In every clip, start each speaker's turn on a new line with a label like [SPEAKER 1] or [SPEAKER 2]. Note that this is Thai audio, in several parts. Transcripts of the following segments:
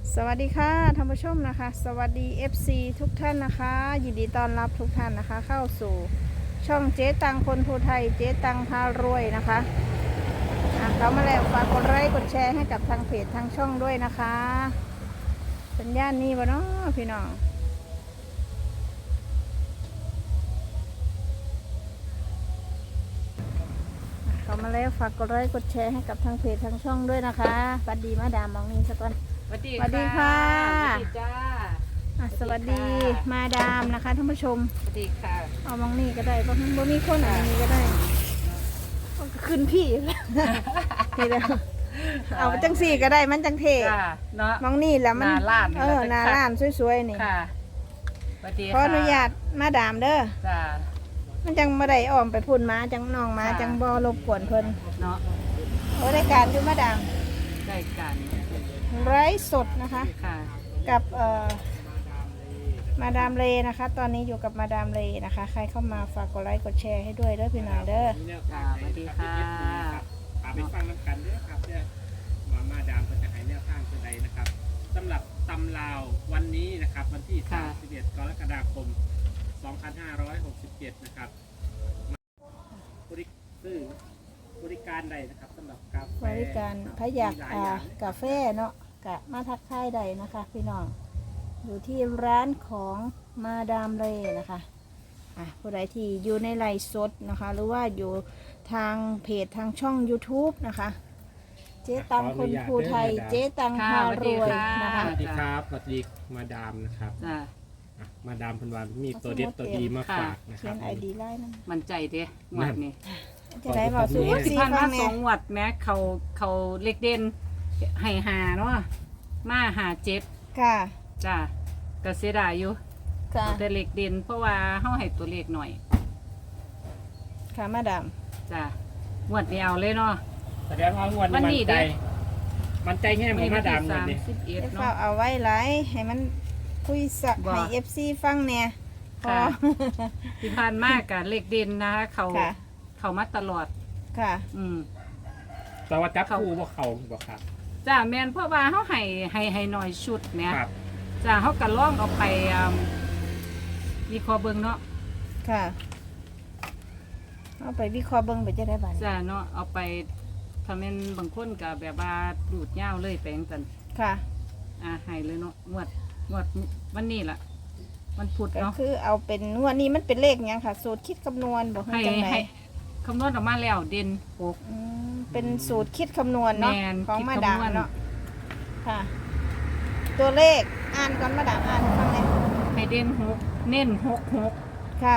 [SPEAKER 1] สวัสดีค่ะท่านผู้ชมนะคะสวัสดี FC ทุกท่านนะคะยินดีต้อนรับทุกท่านนะคะเข้าสู่ช่องเจ๊ตังคนภูไทยเจ๊ตังพารวยนะคะเขามาแล้วฝากกดไลค์กดแชร์ให้กับทางเพจทางช่องด้วยนะคะสัญญาณนี้วะเนาะพี่น้องเขามาแล้วฝากกดไลค์กดแชร์ให้กับทางเพจทางช่องด้วยนะคะสวัสดีมาดามมองนี้สักวัน
[SPEAKER 2] สวัสดี
[SPEAKER 1] สวัสดีค่ะ
[SPEAKER 2] สวัสดีจ้า
[SPEAKER 1] สวัสดีมาดามนะคะท่านผู้ชม
[SPEAKER 2] สวัสดีค่ะ
[SPEAKER 1] เอามองนี่ก็ได้เพราะมันบ่มีคนอะไรนี้ก็ได้ขึ้นพี่ นี่แหละเอาจังสี่ก็ได้มันจังเท
[SPEAKER 2] จ้าเนาะ
[SPEAKER 1] มองนี่แหละมัน
[SPEAKER 2] หน้าร้าน
[SPEAKER 1] หน้าร้านสวยๆนี่
[SPEAKER 2] ค่ะสวัสดี
[SPEAKER 1] ขออนุญาตมาดามเด้อ
[SPEAKER 2] จ้า
[SPEAKER 1] มันจังมาได้อ้อมไปพุ่นมาจังน้องมา
[SPEAKER 2] ค่ะ
[SPEAKER 1] จังบ่รบกวนเพิ่น
[SPEAKER 2] เนาะ
[SPEAKER 1] โอ้รายการอยู่มาดาม
[SPEAKER 2] ได้กัน
[SPEAKER 1] ไร้สดนะคะ
[SPEAKER 2] ค่ะ
[SPEAKER 1] กับมาดามเลนะคะ ตอนนี้อยู่กับมาดามเลนะคะ ใครเข้ามาฝากกดไลค์กดแชร์ให้ด้วยเด้อพี่น้องเด้อ
[SPEAKER 2] จ้าสวัสดีค่ะ
[SPEAKER 3] ไปฟังน้ำกันเด้อครับเนี่ยมาดามจะให้แนวทางตัวใดนะครับสำหรับตำลาววันนี้นะครับวันที่ 31 กรกฎาคม 2567 นะครับบริการใดนะครับสำหรับกาแฟ
[SPEAKER 1] บริการพยากกาแฟเนาะกะมาทักทายใดนะคะพี่น้องอยู่ที่ร้านของมาดามเลนะคะผู้ใดที่อยู่ในไลฟ์สดนะคะ หรือว่าอยู่ทางเพจทางช่อง YouTube นะคะเจ๊ตังคนภูไทยเจ๊ตังพารวยนะคะ
[SPEAKER 3] สวัสดีครับสวัสดีมาดามนะครับ
[SPEAKER 2] จ้า
[SPEAKER 3] มาดามพันวันมีตัวเด็ดตัวดีมาฝากนะค
[SPEAKER 1] เขี
[SPEAKER 3] รั
[SPEAKER 1] ย
[SPEAKER 3] บ
[SPEAKER 1] นไอดีไลน์นั่น
[SPEAKER 2] มันใจเด้งวดนี้
[SPEAKER 1] จะได้บอกสู้
[SPEAKER 2] สิ
[SPEAKER 1] ซี
[SPEAKER 2] พัน
[SPEAKER 1] ฟั
[SPEAKER 2] มาง ส
[SPEAKER 1] เนี่
[SPEAKER 2] อย งงวดแม้เขาเล็กเด่นให้หาเนาะมาหาเจ็ด
[SPEAKER 1] ค่ะ
[SPEAKER 2] จ้าก็เสียดายอยู่
[SPEAKER 1] ค่ะ
[SPEAKER 2] แต่เล็กเด่นเพราะว่าเฮาให้ตัวเลขหน่อย
[SPEAKER 1] ค่ะมาดาม
[SPEAKER 2] จ้ะงวดนี้เอาเลยเนาะ
[SPEAKER 3] แสดงว่างวด
[SPEAKER 2] วัน
[SPEAKER 3] นี้
[SPEAKER 2] นี้
[SPEAKER 3] มันใจ
[SPEAKER 2] เด้
[SPEAKER 3] มันใจแง่ของมาดามเลย
[SPEAKER 2] 31
[SPEAKER 1] เดี๋ยว
[SPEAKER 2] เนาะ
[SPEAKER 1] เฝ้าเอาไว้ไลฟ์ให้มันคุยสัก
[SPEAKER 2] บ่
[SPEAKER 1] ให้ FC ฟังเนี่ยพอ
[SPEAKER 2] ค่ะ ที่ผ่านมากกับเลขเด่นนะคะเขา
[SPEAKER 1] ค่ะ
[SPEAKER 2] เขามาตลอด
[SPEAKER 1] ค่ะ
[SPEAKER 2] อืม
[SPEAKER 3] แต่ว่าจับคู่บ่เขาบ่ครับ
[SPEAKER 2] จ้าแมนเพราะว่าเขาให้หน่อยชุดเนี่ย
[SPEAKER 3] ครับ
[SPEAKER 2] จ้าเขาก็ล่องเอาไปมีคอเบิงเนาะ
[SPEAKER 1] ค่ะเอาไปวิเคราะห์เบิ่งไปจะได้บัดนี้
[SPEAKER 2] จ้าเนาะเอาไปทำเป็นบางคนกับแบบว่าดูดเหย้าเลยแปลงกัน
[SPEAKER 1] ค่ะ
[SPEAKER 2] ให้เลยเนาะงวดวันนี้ล่ะวันพุธ
[SPEAKER 1] ก็
[SPEAKER 2] เนาะ
[SPEAKER 1] คือเอาเป็นงวดนี้มันเป็นเลขหยังค่ะ สูตรคิดคำนวณบอกให้
[SPEAKER 2] ให้
[SPEAKER 1] จังไหน
[SPEAKER 2] ให้คำนวณออกมาแล้วเด่นหก
[SPEAKER 1] เป็นสูตรคิดคำนวณเนาะ
[SPEAKER 2] แม่น
[SPEAKER 1] ของ
[SPEAKER 2] คิด
[SPEAKER 1] มา
[SPEAKER 2] คำนวณ
[SPEAKER 1] ดามเนาะค่ะ ตัวเลขอ่านก่อนมาดามอ่านให้ฟังเลย
[SPEAKER 2] ให้เด่นหกเน้นหก
[SPEAKER 1] ค่ะ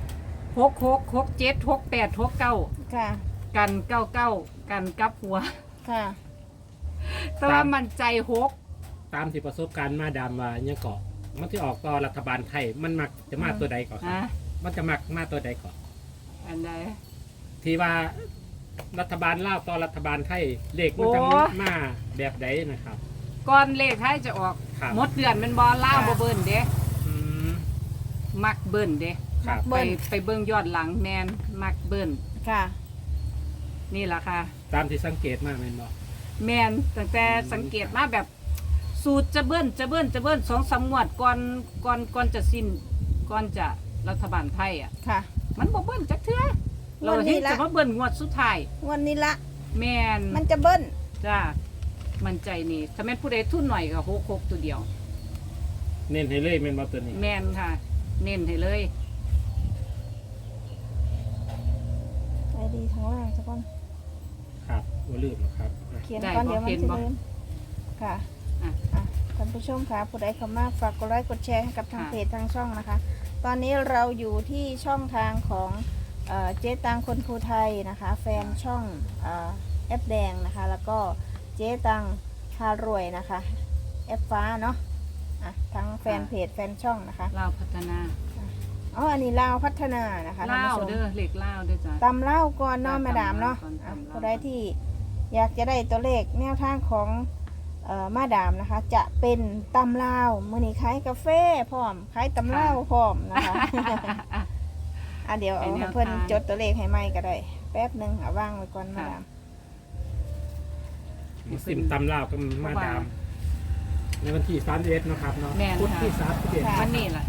[SPEAKER 2] 6 7 6 8 6 9
[SPEAKER 1] ค่ะ
[SPEAKER 2] กัน99กันกลับหัว
[SPEAKER 1] ค่ะ
[SPEAKER 2] แต่ว่ามันใจ6
[SPEAKER 3] ตามที่ประสบการณ์มาดามว่าเนี่ยเกาะมันที่ออกต่อรัฐบาลไทยมันมักจะมาตัวใดก่อนครับ
[SPEAKER 2] ฮะ
[SPEAKER 3] มันจะมักมาตัวใดก่อน
[SPEAKER 2] อันใด
[SPEAKER 3] ที่ว่ารัฐบาลลาวต่อรัฐบาลไทยเลขมันจะ
[SPEAKER 2] โอ้
[SPEAKER 3] มาแบบใดนะครับ
[SPEAKER 2] ก่อนเลขท้ายจะออก
[SPEAKER 3] ครับ
[SPEAKER 2] หมดเดือนเป็นบอลล่าวบ่เบิ่นเด้
[SPEAKER 3] อืม
[SPEAKER 2] มักเบิ่นเด้
[SPEAKER 3] ครับ
[SPEAKER 1] เบิ่น
[SPEAKER 2] ไปเบิ่งยอดหลังแมนมักเบิ่น
[SPEAKER 1] ค่ะ
[SPEAKER 2] นี่ล่ะค่ะ
[SPEAKER 3] ตามที่สังเกตมาแม่นบ่
[SPEAKER 2] แมนตั้งแต่สังเกตมาแบบสูตรจะเบิ่น2-3 งวดก่อนจะสิ้นก่อนจะรัฐบาลไทยอ่ะ
[SPEAKER 1] ค่ะ
[SPEAKER 2] มันบ่เบิ่นจักเทื่อเรา
[SPEAKER 1] วันนี้
[SPEAKER 2] เห็น
[SPEAKER 1] ละ
[SPEAKER 2] จะมาเบิ่นงวดสุดท้าย
[SPEAKER 1] งวันนี้ละ
[SPEAKER 2] แมน
[SPEAKER 1] มันจะเบิ้ล
[SPEAKER 2] จ้ามันใจนี่ถ้าแม่นผู้ใดทุนหน่อยก็6ตัวเดียว
[SPEAKER 3] เน้นให้เลยแม่นบ่ตัวนี้
[SPEAKER 2] แมนค่ะ เน้นให้เลย
[SPEAKER 1] ไอดีทางล่างสักคน
[SPEAKER 3] ครับบ่ลืมหรอกครับ
[SPEAKER 1] เขียนก่อนเดี๋ยวมันจะลืมค่ะ
[SPEAKER 2] อ่ะ
[SPEAKER 1] ท่านผู้ชมค่ะผู้ใดเข้ามาฝากกดไลค์กดแชร์ให้กับทางเพจทางช่องนะคะ ตอนนี้เราอยู่ที่ช่องทางของเจ๊ตังคนภูไทยนะคะ แฟนช่องแอปแดงนะคะ แล้วก็เจ๊ตังพารวยนะคะแอปฟ้าเนาะทั้งแฟนเพจแฟนช่องนะคะ
[SPEAKER 2] ลาวพัฒนา
[SPEAKER 1] อ๋ออันนี้ลาวพัฒนานะคะท่าน
[SPEAKER 2] ลาว
[SPEAKER 1] ผู้ชม
[SPEAKER 2] เด้อเหล็กลาวเด้อจ้ะ
[SPEAKER 1] ตำเล่าก่อนเนาะ
[SPEAKER 2] ตำ
[SPEAKER 1] มาดามเนาะ
[SPEAKER 2] ก่อนตำเล่า
[SPEAKER 1] ผู้ใดที่อยากจะได้ตัวเลขแนวทางของมาดามนะคะ จะเป็นตำเล่าวมื้อนี้ขายกาแฟพร้อมขายตำเล่าวพร้อมนะคะ เดี๋ยวเอาให้เพิ่นจดตัวเลขให้ใหม่ก็ได้ แป๊บหนึงเอาว่างไว้ก่อนมาดาม
[SPEAKER 3] ซิมตำลาวก็มาดามในวันที่31นะครับเนาะ
[SPEAKER 2] แม่น
[SPEAKER 3] พุธ
[SPEAKER 2] ค่ะ
[SPEAKER 3] ที่31
[SPEAKER 2] วันนี้ล่ะ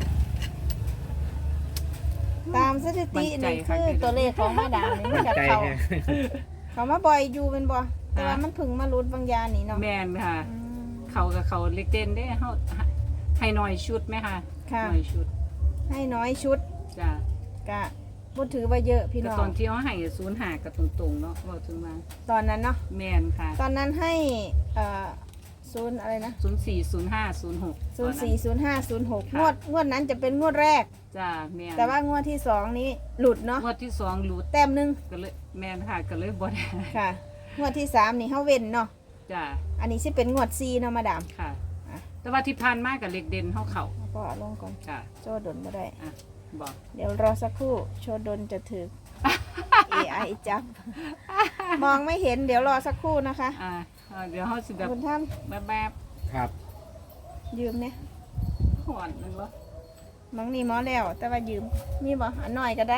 [SPEAKER 1] ตามสถิติ
[SPEAKER 2] มั่นใจ
[SPEAKER 1] นี่
[SPEAKER 2] ค่ะ
[SPEAKER 1] คือตัวเลขของมาดามนี่มันกับ
[SPEAKER 3] ใจ
[SPEAKER 1] เขา
[SPEAKER 3] แฮะ
[SPEAKER 1] เขามาบ่อยอยู่เป็นบ่แต่ว่า
[SPEAKER 2] ค่ะ
[SPEAKER 1] มันเพึ่งมารุดบางอยางนี่เนาะ
[SPEAKER 2] แม่นค่ะ
[SPEAKER 1] อืม
[SPEAKER 2] เขากับเขาเล็กเด่นได้เฮาให้หน่อยชุดไหมคะ
[SPEAKER 1] ค่ะ
[SPEAKER 2] หน่อยชุด
[SPEAKER 1] ให้น้อยชุด
[SPEAKER 2] จ้ะ
[SPEAKER 1] กะพูดถือว่าเยอะพี่
[SPEAKER 2] แต่
[SPEAKER 1] น้อ
[SPEAKER 2] ตอง นที่เขาให้05กับตรงๆเนาะเว้าถึงมา
[SPEAKER 1] ตอนนั้นเนาะ
[SPEAKER 2] แม่นค่ะ
[SPEAKER 1] ตอนนั้นให้ศูนย์อะไรนะ
[SPEAKER 2] 040506
[SPEAKER 1] 040506งวดนั้นจะเป็นงวดแรก
[SPEAKER 2] จ้ะแม่น
[SPEAKER 1] แต่ว่างวดที่สองนี้หลุดเนาะ
[SPEAKER 2] งวดที่2หลุด
[SPEAKER 1] แต้มหนึง
[SPEAKER 2] ก็เลยแม่นค่ะก็เลยบ่ได้
[SPEAKER 1] ค่ะงวดที่สามนี่เฮาเว้นเนาะ
[SPEAKER 2] จ้ะ
[SPEAKER 1] อันนี้สิเป็นงวด4เนาะมาดาม
[SPEAKER 2] ค่ะ
[SPEAKER 1] อ่ะ
[SPEAKER 2] แต่ว่าที่ผ่านมากับเล็กเด่นเขา
[SPEAKER 1] แล้วก็เอาลงก่อน
[SPEAKER 2] จ้ะ
[SPEAKER 1] โจดดนบ่ได้
[SPEAKER 2] อ่ะบอก
[SPEAKER 1] เดี๋ยวรอสักครู่โชดดนจะถึก AI จับ มองไม่เห็นเดี๋ยวรอสักครู่นะคะ
[SPEAKER 2] เดี๋ยวเขาสิแบบ
[SPEAKER 1] คุณท่าน
[SPEAKER 2] แบบ
[SPEAKER 3] ครับ
[SPEAKER 1] ยืมเนี่ย
[SPEAKER 2] หอนมันวะ
[SPEAKER 1] มังนี่หมอแล้ว แต่ว่ายืมมีบ่อันหน่อยก็ได้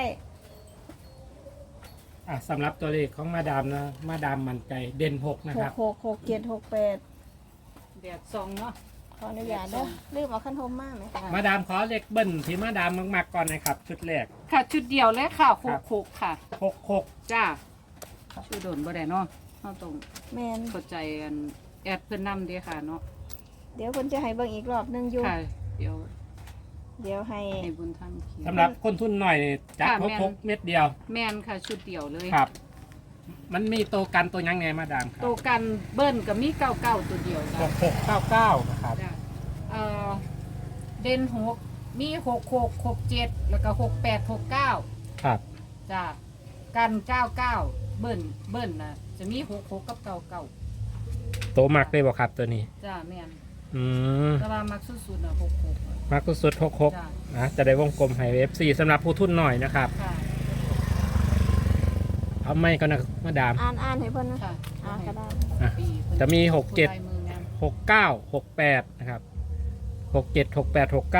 [SPEAKER 3] สำหรับตัวเลขของมาดามนะมาดามมั่นใจเด่น6นะครับ
[SPEAKER 1] 666768
[SPEAKER 2] แดดซองเนาะ
[SPEAKER 1] ขออนุญาตเด้อลืมเอาขั้นโทมมากไหม
[SPEAKER 3] มาดามขอเลขเบิ้ลที่มาดามมากๆก่อนนะครับชุดแรก
[SPEAKER 2] ค่ะชุดเดียวเลยค่ะ
[SPEAKER 3] ครับ
[SPEAKER 2] คุกค่ะ
[SPEAKER 3] 66
[SPEAKER 2] จ้าชื่อโดนบ่ได้เนาะเขาต้อง
[SPEAKER 1] แมน
[SPEAKER 2] เข้าใจกันแอดเพิ่นนำเด้ค่ะเนาะ
[SPEAKER 1] เดี๋ยวคนจะให้เบิ่งอีกรอบหนึงอยู่
[SPEAKER 2] ค่ะ เดี๋ยว
[SPEAKER 1] เดี๋ยวให้
[SPEAKER 2] ให้บุญท่านเขียน
[SPEAKER 3] สำหรับคนทุนหน่อยจัด
[SPEAKER 2] ค่ะแม่น
[SPEAKER 3] 66เม็ดเดียว
[SPEAKER 2] แม่นค่ะชุดเดียวเลย
[SPEAKER 3] ครับ มันมีตัวกันตัวยังไงมาดามครั
[SPEAKER 2] โตวกันเบิ้ลกับมีเก้าเก้าตัวเดียวจ้ะ
[SPEAKER 3] 6699นะครับ
[SPEAKER 2] จ้ะเด่นมี6667แล้วก็6869
[SPEAKER 3] ครับ
[SPEAKER 2] จ้ะกัน99เบิ้ลนะจะมี66กับ99
[SPEAKER 3] ตัวมักได้บ่ครับตัวนี้
[SPEAKER 2] จ้ะแม่น
[SPEAKER 3] อืม
[SPEAKER 2] แต่ว่ามักสุดๆน่ะ66
[SPEAKER 3] มักสุดๆ66
[SPEAKER 2] จ้ะ
[SPEAKER 3] นะจะได้วงกลมให้ FC สำหรับผู้ทุนหน่อยนะครับ
[SPEAKER 2] ค่ะ
[SPEAKER 3] เอาไม่ก็นะมาดาม
[SPEAKER 1] อ่านให้เพิ่นนะ
[SPEAKER 2] ค่ะ
[SPEAKER 1] ก็ได้
[SPEAKER 3] อ่ะ
[SPEAKER 2] ปีเพิ่น
[SPEAKER 3] จะมี
[SPEAKER 2] ผู้
[SPEAKER 3] 67
[SPEAKER 2] ลายมืองาม
[SPEAKER 3] 69 68นะครับ67 68 69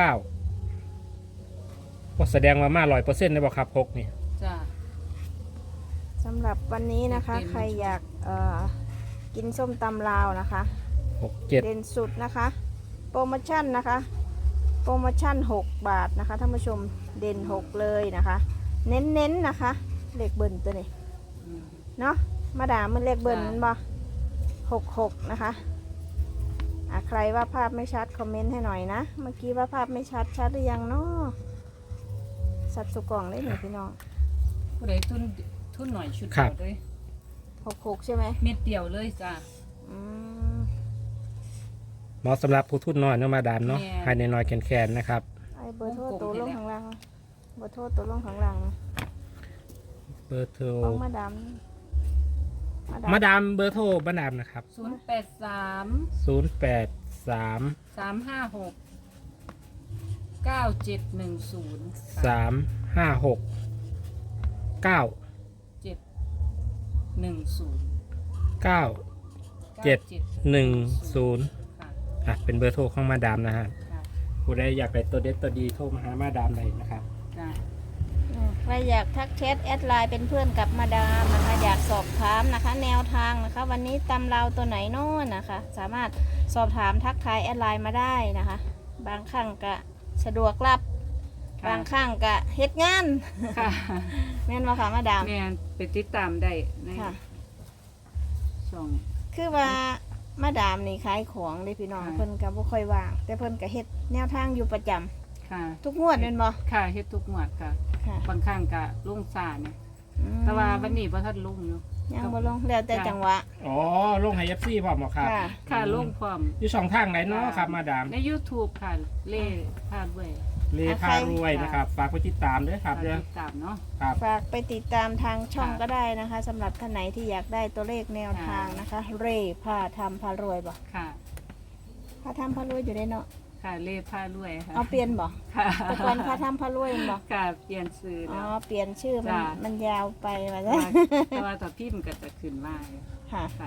[SPEAKER 3] ก็แสดงว่ามา100%ได้บ่ครับ6นี่
[SPEAKER 2] จ้ะ
[SPEAKER 1] สำหรับวันนี้นะคะ
[SPEAKER 2] เป็น
[SPEAKER 1] ใครอยากกินส้มตำลาวนะคะ
[SPEAKER 3] 67
[SPEAKER 1] เด่นสุดนะคะ โปรโมชั่นนะคะ โปรโมชั่น6 บาทนะคะท่านผู้ชมเด่น6เลยนะคะ เน้นๆนะคะเลขเบิ้ลตัวนี้
[SPEAKER 2] อืม
[SPEAKER 1] เนาะมาดามมันเลขเบิ้ล
[SPEAKER 2] จ้ะ
[SPEAKER 1] มันบ่66นะคะใครว่าภาพไม่ชัดคอมเมนต์ให้หน่อยนะเมื่อกี้ว่าภาพไม่ชัดหรือยังเนาะสัตว์สุกล่องเลยหนึ่งพี่น้อง
[SPEAKER 2] ผู้ใดทุนหน่อยชุด
[SPEAKER 3] ครั
[SPEAKER 2] เดี
[SPEAKER 3] บ
[SPEAKER 2] ยวเลย
[SPEAKER 1] 66ใช่ไหม
[SPEAKER 2] เม็ดเดียวเลยจ้ะ
[SPEAKER 1] อืม
[SPEAKER 3] เหมาะสำหรับผู้ทุนน้อยเนาะมาดามเนาะ
[SPEAKER 2] แม่
[SPEAKER 3] ให้น้อยๆแคนๆนะครับ
[SPEAKER 1] ไอ้เบอร์โทร
[SPEAKER 2] วงกลม
[SPEAKER 1] ตัวลง
[SPEAKER 2] นี่แหละ
[SPEAKER 1] ข้างล่างเบอร์โทรตัวลงข้างล่าง
[SPEAKER 3] เบอร์โทร
[SPEAKER 1] ของมาดาม
[SPEAKER 3] มาดามเบอร์โทรมาดามนะครับ
[SPEAKER 2] 083
[SPEAKER 3] 083
[SPEAKER 2] 356 9710
[SPEAKER 3] 356 9
[SPEAKER 2] 710
[SPEAKER 3] 9 710
[SPEAKER 2] ค่ะ
[SPEAKER 3] เป็นเบอร์โทรของมาดามนะฮะ
[SPEAKER 2] ค่ะ
[SPEAKER 3] ผู้ใดอยากได้ตัวเด็ดตัวดีโทรมาหามาดามได้นะครับ
[SPEAKER 2] จ้ะ
[SPEAKER 1] ใครอยากทักแชทแอดไลน์เป็นเพื่อนกับมาดามนะคะอยากสอบถามนะคะ แนวทางนะคะ วันนี้ตำราวตัวไหนโน่นนะคะ สามารถสอบถามทักทายแอดไลน์มาได้นะคะ บางครั้งก็สะดวกรับ
[SPEAKER 2] ค่ะ
[SPEAKER 1] บางครั้งก็เฮ็ดงาน
[SPEAKER 2] ค่ะ
[SPEAKER 1] แม่นบ่คะมาดาม
[SPEAKER 2] แม่นไปติดตามได้ใน
[SPEAKER 1] ค่ะ
[SPEAKER 2] ช่อง
[SPEAKER 1] คือว่ามาดามนี่ขายของเลยพี่น้อง
[SPEAKER 2] ค่ะ
[SPEAKER 1] เพิ่นก็บ่ค่อยว่าง แต่เพิ่นก็เฮ็ดแนวทางอยู่ประจำ
[SPEAKER 2] ค่ะ
[SPEAKER 1] ทุกงวดแม่นบ่
[SPEAKER 2] ค่ะเฮ็ดทุกหมวดค่ะ
[SPEAKER 1] ค่ะ
[SPEAKER 2] บางครั้งก็ลุงซาเนี่ย
[SPEAKER 1] อืม
[SPEAKER 2] แต่ว่าวันนี้บ่ทันลุงอยู่
[SPEAKER 1] ยังบ่ลงแล้วแต่
[SPEAKER 2] จ้ะ
[SPEAKER 1] จังหวะ
[SPEAKER 3] อ๋อลงให้ FC พร้อมบ่ครับ
[SPEAKER 1] ค่ะ
[SPEAKER 2] ค่ะลุงพร้อม
[SPEAKER 3] อยู่ช่องทางไหนเนาะครับมาดาม
[SPEAKER 2] ใน YouTube ค่ะเล่พาด้วย
[SPEAKER 3] เลพารวยนะครับ ฝากไปติดตามด้วยครับเด้อ
[SPEAKER 2] ติดตามเนาะ
[SPEAKER 3] ครับ
[SPEAKER 1] ฝากไปติดตามทางช่อง
[SPEAKER 2] ค่ะ
[SPEAKER 1] ก็ได้นะคะสำหรับท่านไหนที่อยากได้ตัวเลขแนวทางนะคะ เร่พาทำพารวยบ่
[SPEAKER 2] ค่ะ
[SPEAKER 1] พาทำพารวยอยู่ได้เนาะ
[SPEAKER 2] ค่ะเล่พาด้วยค่ะ
[SPEAKER 1] เอาเปลี่ยนบ่
[SPEAKER 2] ค่ะ
[SPEAKER 1] แต่ก่อนพาทำพารวยบ่
[SPEAKER 2] ค่ะเปลี่ยนชื่อ
[SPEAKER 1] อ๋อ
[SPEAKER 2] แล้ว
[SPEAKER 1] เปลี่ยนชื่อมัน
[SPEAKER 2] จ้ะ
[SPEAKER 1] มันยาวไปว่า
[SPEAKER 2] แต่
[SPEAKER 1] ซะ
[SPEAKER 2] ว่าแต่พิมพ์ก็จะขึ้นมาอยู่
[SPEAKER 1] ค่ะ
[SPEAKER 2] ค่ะ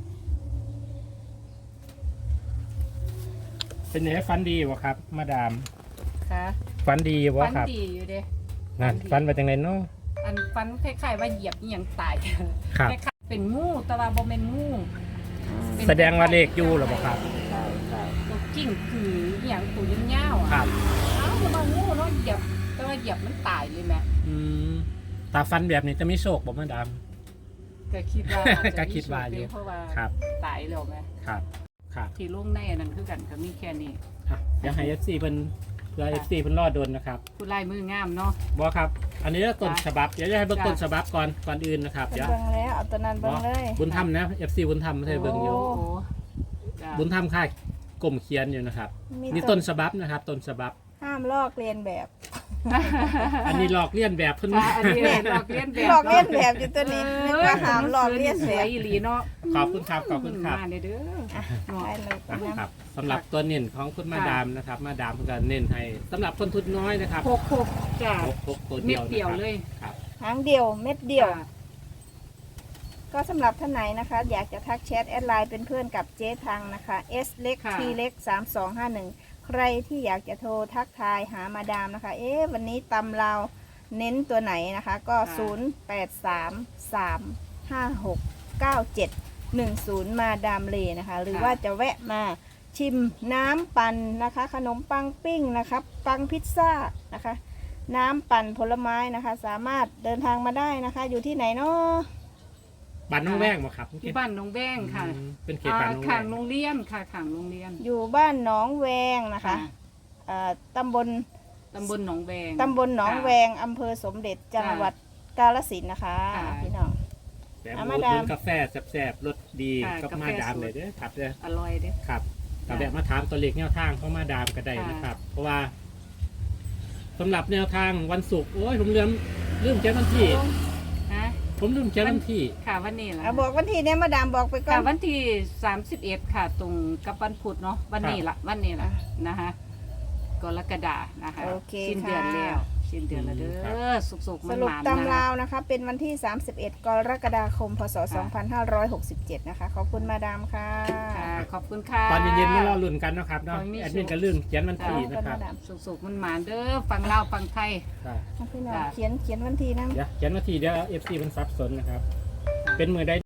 [SPEAKER 3] เป็นยังไงฟันดีวะครับ มาดาม
[SPEAKER 2] ค่ะ
[SPEAKER 3] ฟันดีวะ
[SPEAKER 2] ฟัน
[SPEAKER 3] ครับ
[SPEAKER 2] ดีอยู่เด้
[SPEAKER 3] นั่นฟันไปจังไรเนาะ
[SPEAKER 2] อันฟันคล้ายๆว่าเหยียบอหยังตาย
[SPEAKER 3] ครับ
[SPEAKER 2] คล้ายๆเป็นงูแต่ว่าบ่แม่นงูเป็น
[SPEAKER 3] แสดงว่าเลขอยู่หรือเปล่าครับ
[SPEAKER 1] ใช่ใช่
[SPEAKER 2] ตัวกิ้งคืออหย่างตัวยาวๆ
[SPEAKER 3] ครั
[SPEAKER 2] อ่ะ
[SPEAKER 3] บ
[SPEAKER 2] เอ้าแต่ว่างูเนาะเหยียบแต่ว่าเหยียบมันตายเลยแม่
[SPEAKER 3] อืมตาฟันแบบนี้จะมีโชคบ่มาดาม
[SPEAKER 2] ก็คิดว่าอาจจะ
[SPEAKER 3] ก็คิดว่าอยู่
[SPEAKER 2] เพราะว่า
[SPEAKER 3] ครับ
[SPEAKER 2] ตายแล้วแม่
[SPEAKER 3] ครับครับ
[SPEAKER 2] ที่ลงในอันนั้นคือกันก็มีแค่นี้
[SPEAKER 3] อ่ะเดี๋ยวให้ FC เพิ่นเพื่อ FC เพิ่นรอดนนะครับ
[SPEAKER 2] ผู้ลายมืองามเนาะ
[SPEAKER 3] บ่ครับ อันนี้ต้นฉบับเดี๋ยวจะให้เบิ่ง
[SPEAKER 2] จ้ะ
[SPEAKER 3] ต้นฉบับก่อนอื่นนะครับ
[SPEAKER 1] เป็น
[SPEAKER 3] เดี๋ยว
[SPEAKER 1] เบิ่งแล้วเอาตัวนั้นเบิ่งเลย
[SPEAKER 3] บุญธรรมนะ FC บุญธรรมให้เบิ่งอยู่
[SPEAKER 2] โอ้จ้ะ
[SPEAKER 3] บุญธรรมค่ายกลมเขียนอยู่นะครับ
[SPEAKER 1] มี
[SPEAKER 3] นี่ต้นฉบับนะครับ ต้นฉบับ
[SPEAKER 1] ห้ามลอกเลียนแบบ
[SPEAKER 3] อันนี้หลอกเลียนแบบเพิ่น
[SPEAKER 2] จ้ะอันนี้หลอกเลียนแบบ
[SPEAKER 1] ลอกเลียนแบบอยู่ตัวนี้นึกว่าห้ามลอกเลียน
[SPEAKER 2] ส
[SPEAKER 1] แบ
[SPEAKER 2] วย
[SPEAKER 1] บ
[SPEAKER 2] อีหลีเนาะ
[SPEAKER 3] ขอบคุณครับขอบคุณครับ
[SPEAKER 2] มาเด้อเนาะ
[SPEAKER 1] ได้เลย
[SPEAKER 3] นะ
[SPEAKER 1] นะครับ
[SPEAKER 3] สำหรับตัวเน้นของคุณมาดามนะครับ มาดามเพิ่นก็เน้นให้สำหรับคนทุนน้อยนะครับ
[SPEAKER 2] หกจ้ะ
[SPEAKER 3] พกตัว
[SPEAKER 2] เม็
[SPEAKER 3] เดี
[SPEAKER 2] ด
[SPEAKER 3] ยว
[SPEAKER 2] เดียว
[SPEAKER 3] นะครับ
[SPEAKER 2] เลย
[SPEAKER 3] ครับ
[SPEAKER 1] หางเดียวเม็ดเดียว
[SPEAKER 2] จ้ะ
[SPEAKER 1] ก็สำหรับท่านไหนนะคะ อยากจะทักแชทแอดไลน์เป็นเพื่อนกับเจ๊ทังนะคะ S เล็ก T เล็ก3251 ใครที่อยากจะโทรทักทายหามาดามนะคะ วันนี้ตำเราวเน้นตัวไหนนะคะ ก็ 0833569710 มาดามเลนะคะ หรือว่าจะแวะมาชิมน้ำปั่นนะคะ ขนมปังปิ้งนะคะปังพิซซ่านะคะ น้ำปั่นผลไม้นะคะ สามารถเดินทางมาได้นะคะ อยู่ที่ไหนเนาะ
[SPEAKER 3] บ้านน้องแว้งบ่ครับ
[SPEAKER 2] ที่บ้านน้องแบ้งค่ะ
[SPEAKER 3] อืมเป็นเขตบ้านน้องแว้
[SPEAKER 2] ข้าง
[SPEAKER 3] ง
[SPEAKER 2] โรงเรียนค่ะข้างโรงเรียน
[SPEAKER 1] อยู่บ้านหนองแวงนะคะตำบล
[SPEAKER 2] ตำบลหนองแบง
[SPEAKER 1] ตำบลหนองแวงอำเภอสมเด็จจังหวัดกาฬสินธุ์นะคะ
[SPEAKER 2] ค่ะ
[SPEAKER 1] พี่น้อง
[SPEAKER 3] แต่
[SPEAKER 1] อ่ะ
[SPEAKER 3] หมู
[SPEAKER 1] มาดาม
[SPEAKER 3] ถึงกาแฟแซ่บๆรสดี
[SPEAKER 2] ค่ะ
[SPEAKER 3] ก็
[SPEAKER 2] กาแฟ
[SPEAKER 3] มาดาม
[SPEAKER 2] สด
[SPEAKER 3] เลยเด้อครับเด้อ
[SPEAKER 2] อร่อยเด้
[SPEAKER 3] ครับ
[SPEAKER 2] จ้ะ
[SPEAKER 3] แต่แบบมาถามตัวเลขแนวทางเข้ามาดามก็ได้
[SPEAKER 2] ค่ะ
[SPEAKER 3] นะครับ เพราะว่าสำหรับแนวทางวันศุกร์โอ้ยผมลืมเขียนวันที่
[SPEAKER 2] ฮะ
[SPEAKER 3] ผมลืมเขียนวันที่
[SPEAKER 2] ค่ะวันนี้ล่ะ
[SPEAKER 1] บอกวันที่เนี่ยมาดามบอกไปก่อ
[SPEAKER 2] ค่ะ
[SPEAKER 1] น
[SPEAKER 2] วันที่31ค่ะตรงกับวันพุธเนาะวันนี้ละวันนี้ละนะคะกรกฎานะคะ
[SPEAKER 1] โอเค
[SPEAKER 2] สิ้นเดือน
[SPEAKER 1] ค่ะ
[SPEAKER 2] แล้วสิ้นเดือนแล้วเด้
[SPEAKER 3] ครั
[SPEAKER 2] อสุกๆ
[SPEAKER 1] ส
[SPEAKER 2] มัน
[SPEAKER 1] รุป
[SPEAKER 2] หมาน
[SPEAKER 1] ตำ
[SPEAKER 2] นะ
[SPEAKER 1] ราวนะคะ เป็นวันที่ 31 กรกฎาคม พศ 2567 นะคะ ขอบคุณมาดามค่ะ
[SPEAKER 2] ค่ะขอบคุณค่ะ
[SPEAKER 3] ตอนเย็นๆมารอลุ้นกันเนาะครับเนาะ
[SPEAKER 2] ขอให้มี
[SPEAKER 3] แอดมินก็ลืมเขียนวันที่
[SPEAKER 1] ขอบ
[SPEAKER 3] นะ
[SPEAKER 1] คุณ
[SPEAKER 3] ครับ
[SPEAKER 1] มาดาม
[SPEAKER 2] สุกๆมันหมานเด้อฟังเล่าวฟังไทย
[SPEAKER 3] ครับ
[SPEAKER 1] พี่น้อง
[SPEAKER 2] จ้ะ
[SPEAKER 1] เขียนวันที่นะ
[SPEAKER 3] เดี๋ยวเขียนวันที่เดี๋ยว FC มันสับสนนะครับ เป็นมือใด